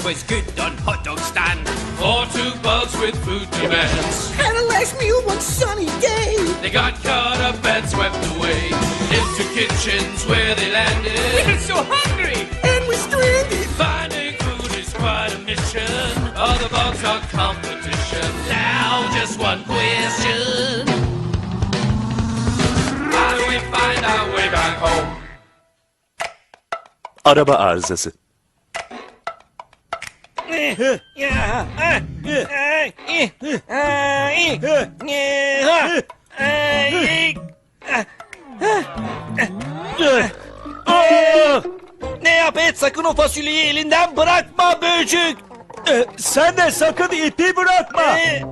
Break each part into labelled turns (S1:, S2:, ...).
S1: was good on hot dog stand. Or two bugs with food demands.
S2: Had a last meal one sunny day.
S1: They got caught up and swept away into kitchens where they landed. We're so hungry
S2: And we're stranded.
S1: Finding food is quite a mission. All the bugs are competition. Now just one question. How do we find our way back home?
S3: Araba arızası.
S4: Ne yap et, sakın o fasulyeyi elinden bırakma böcük.
S3: Sen de sakın ipi bırakma.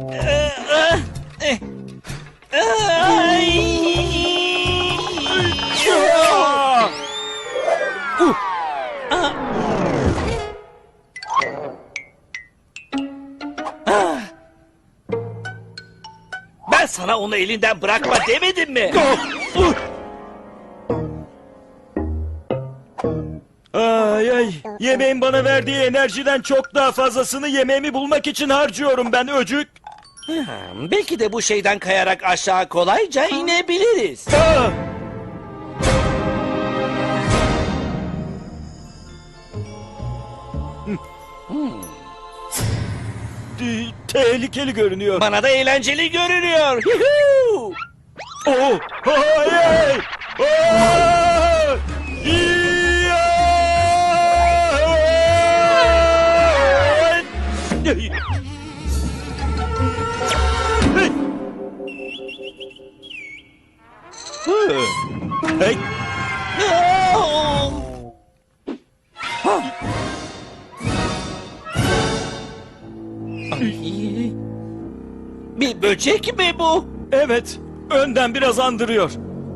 S4: Ben sana onu elinden bırakma demedim mi?
S3: Ay ay. Yemeğin bana verdiği enerjiden çok daha fazlasını yemeğimi bulmak için harcıyorum ben öcük.
S4: Belki de bu şeyden kayarak aşağı kolayca inebiliriz.
S3: Ah! Tehlikeli görünüyor.
S4: Bana da eğlenceli görünüyor. Yuhuu!
S3: Oh! Hayır! Oh! Hey!
S4: Bir böcek mi bu?
S3: Evet, önden biraz andırıyor.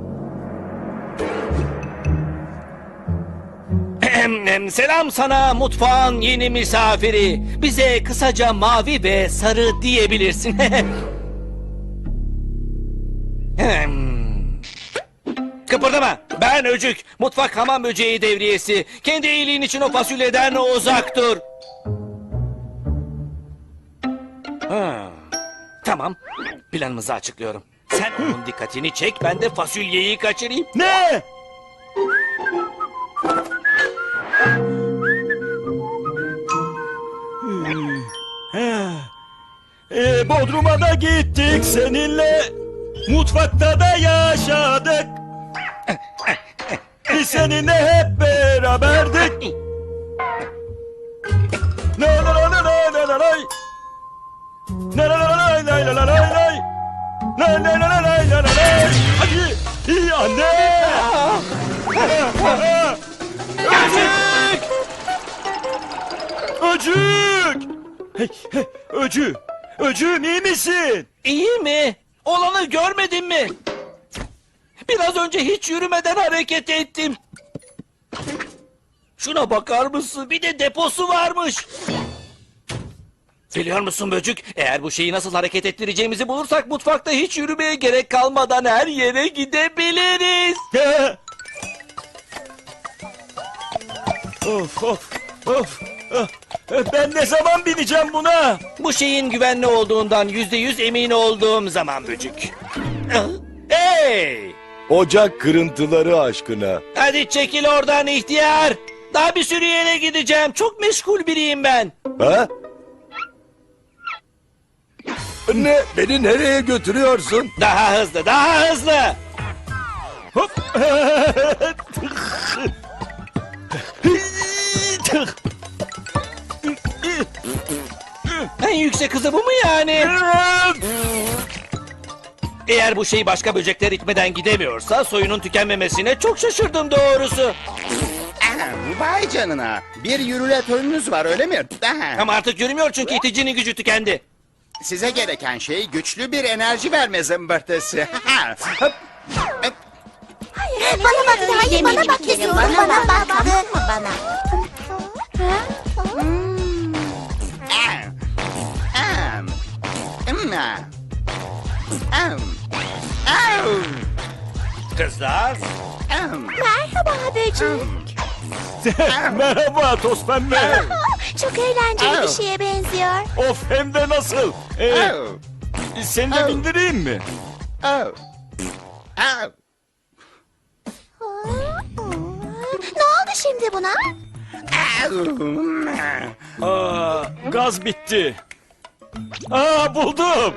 S4: Selam sana mutfağın yeni misafiri. Bize kısaca mavi ve sarı diyebilirsin. Kıpırdama. Ben Öcük. Mutfak hamam böceği devriyesi. Kendi iyiliğin için o fasulyeden uzak dur. Tamam. Planımızı açıklıyorum. Sen onun dikkatini çek, ben de fasulyeyi kaçırayım.
S3: Ne? Bodrum'a da gittik seninle. Mutfakta da yaşadık. Biz seninle hep beraberdik. La la la la la la la. La la la la la la la la la. La la la la la la la la. Hadi. İyi anne. Öcük. Öcük. Hey, hey, Öcük. Öcüğüm iyi misin?
S4: İyi mi? Olanı görmedin mi? Biraz önce hiç yürümeden hareket ettim. Şuna bakar mısın? Bir de deposu varmış. Biliyor musun böcük? Eğer bu şeyi nasıl hareket ettireceğimizi bulursak mutfakta hiç yürümeye gerek kalmadan her yere gidebiliriz.
S3: Of of of. Ben ne zaman bineceğim buna?
S4: Bu şeyin güvenli olduğundan %100 emin olduğum zaman böcük. Hey!
S5: Ocak kırıntıları aşkına.
S4: Hadi çekil oradan ihtiyar. Daha bir sürü yere gideceğim. Çok meşgul biriyim ben.
S5: Ha? Ne? Beni nereye götürüyorsun?
S4: Daha hızlı, daha hızlı.
S3: Hop.
S4: En yüksek hızı bu mu yani? Eğer bu şey başka böcekler itmeden gidemiyorsa soyunun tükenmemesine çok şaşırdım doğrusu.
S6: Vay canına. Bir yürületörünüz var öyle mi?
S4: Ama artık yürümüyor çünkü iticinin gücü tükendi.
S6: Size gereken şey güçlü bir enerji verme zımbırtısı.
S7: Bana bak, hayır bana bak istiyorum. Bana bak, tamam mı bana?
S4: Kızlar.
S7: Merhaba böcek.
S3: Merhaba toz pembe.
S7: çok eğlenceli bir şeye benziyor.
S3: Of, hem de nasıl?
S6: Oh.
S3: Seni de bindireyim mi?
S6: Oh. Oh.
S7: Ne oldu şimdi buna?
S3: Aa, gaz bitti. Aa, buldum.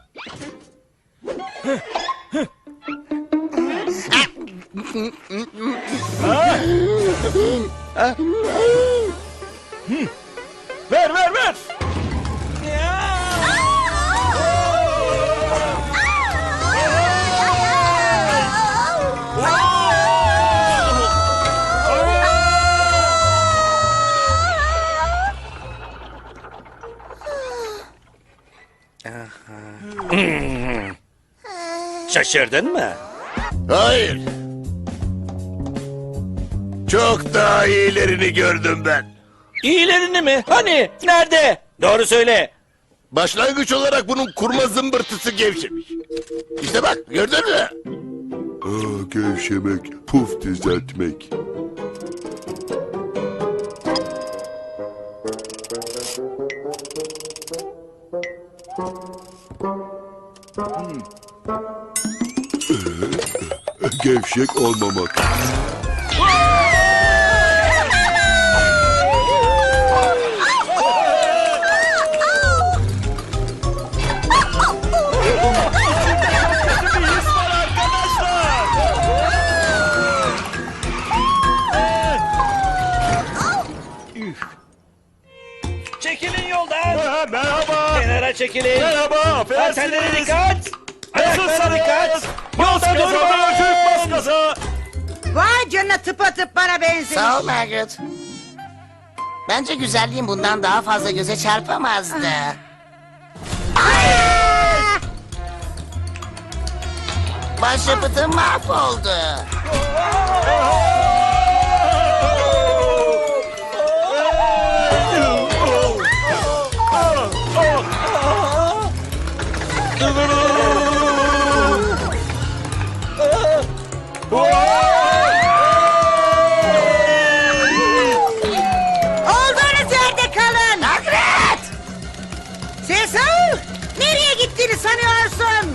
S3: Ver, ver, ver.
S4: Şaşırdın mı?
S5: Hayır. Çok daha iyilerini gördüm ben.
S4: İyilerini mi? Hani? Nerede? Doğru söyle.
S5: Başlangıç olarak bunun kurma zımbırtısı gevşemiş. İşte bak, gördün mü? Gevşemek, puf düzeltmek. Gevşek olmamak.
S4: Çekilin yoldan.
S3: Merhaba.
S4: Kenara çekilin.
S3: Merhaba,
S4: Hanımefendilere
S3: affedersiniz.
S4: dikkat. Ayaklara dikkat.
S3: Bas
S4: Yolda
S3: gaza,
S4: durmayın.
S3: bas gaza.
S2: Vay canına, tıpatıp bana benziyor.
S8: Sağ ol Margaret. Bence güzelliğin bundan daha fazla göze çarpamazdı. Başyapıtım mahvoldu.
S2: Olduğunuz yerde kalın.
S8: Margaret!
S2: Cesar, nereye gittiğini sanıyorsun?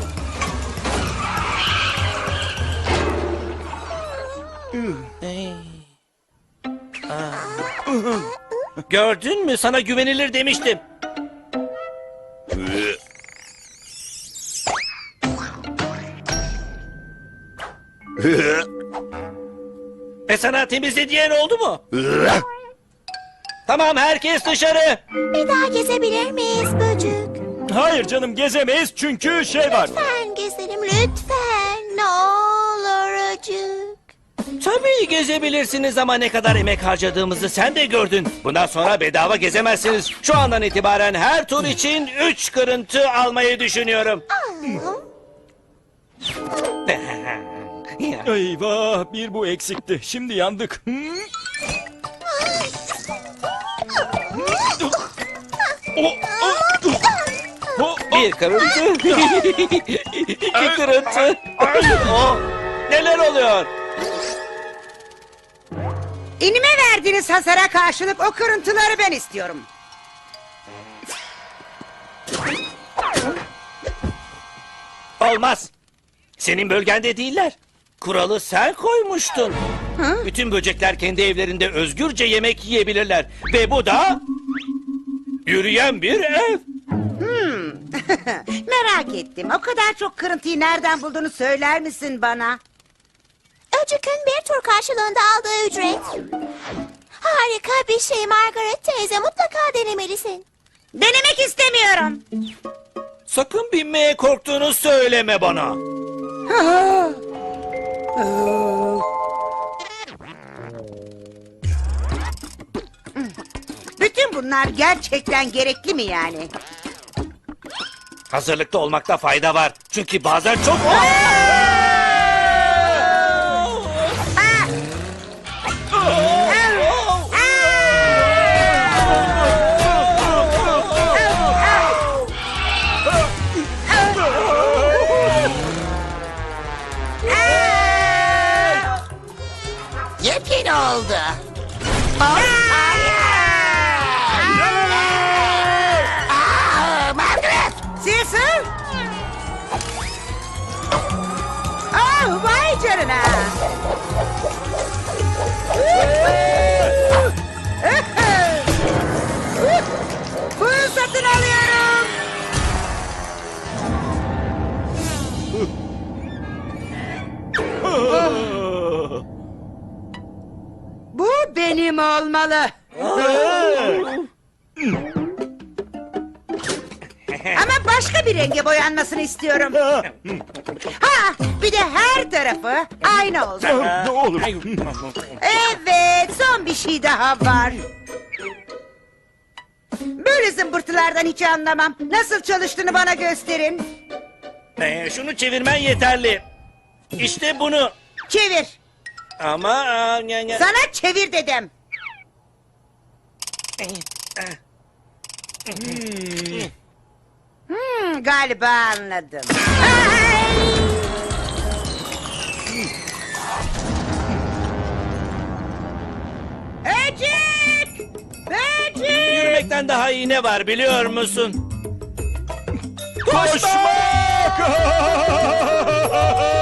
S4: Gördün mü? Sana güvenilir demiştim. Sana temizle diyen oldu mu? Tamam, herkes dışarı.
S7: Bir daha gezebilir miyiz böcük?
S3: Hayır canım, gezemeyiz çünkü şey var.
S7: Lütfen gezelim lütfen. Ne olur acık.
S4: Tabii gezebilirsiniz ama ne kadar emek harcadığımızı sen de gördün. Bundan sonra bedava gezemezsiniz. Şu andan itibaren her tur için 3 kırıntı almayı düşünüyorum.
S3: Eyvah, bir bu eksikti. Şimdi yandık.
S4: Bir kırıntı. İki kırıntı. Oh, neler oluyor?
S2: İnime verdiğiniz hasara karşılık o kırıntıları ben istiyorum.
S4: Olmaz. Senin bölgende değiller. Kuralı sen koymuştun. Bütün böcekler kendi evlerinde özgürce yemek yiyebilirler. Ve bu da yürüyen bir ev.
S2: Merak ettim. O kadar çok kırıntıyı nereden bulduğunu söyler misin bana?
S7: Öcük'ün bir tur karşılığında aldığı ücret. Harika bir şey Margaret teyze, mutlaka denemelisin.
S2: Denemek istemiyorum.
S4: Sakın binmeye korktuğunu söyleme bana.
S2: Bütün bunlar gerçekten gerekli mi yani?
S4: Hazırlıklı olmakta fayda var. Çünkü bazen çok...
S8: Yepyeni oldu.
S2: sana. Bunu satın alıyorum. Bu benim olmalı. Ama başka bir renge boyanmasını istiyorum. Ha, bir de her tarafı aynı olsun.
S3: Ne olur.
S2: Evet, son bir şey daha var. Böyle zımbırtılardan hiç anlamam. Nasıl çalıştığını bana gösterin.
S4: Şunu çevirmen yeterli. İşte bunu.
S2: Çevir.
S4: Ama...
S2: Sana çevir dedim. Galiba anladım. Ay! Böcek! Böcek!
S4: Yürümekten daha iyi ne var biliyor musun?
S3: Koşmak!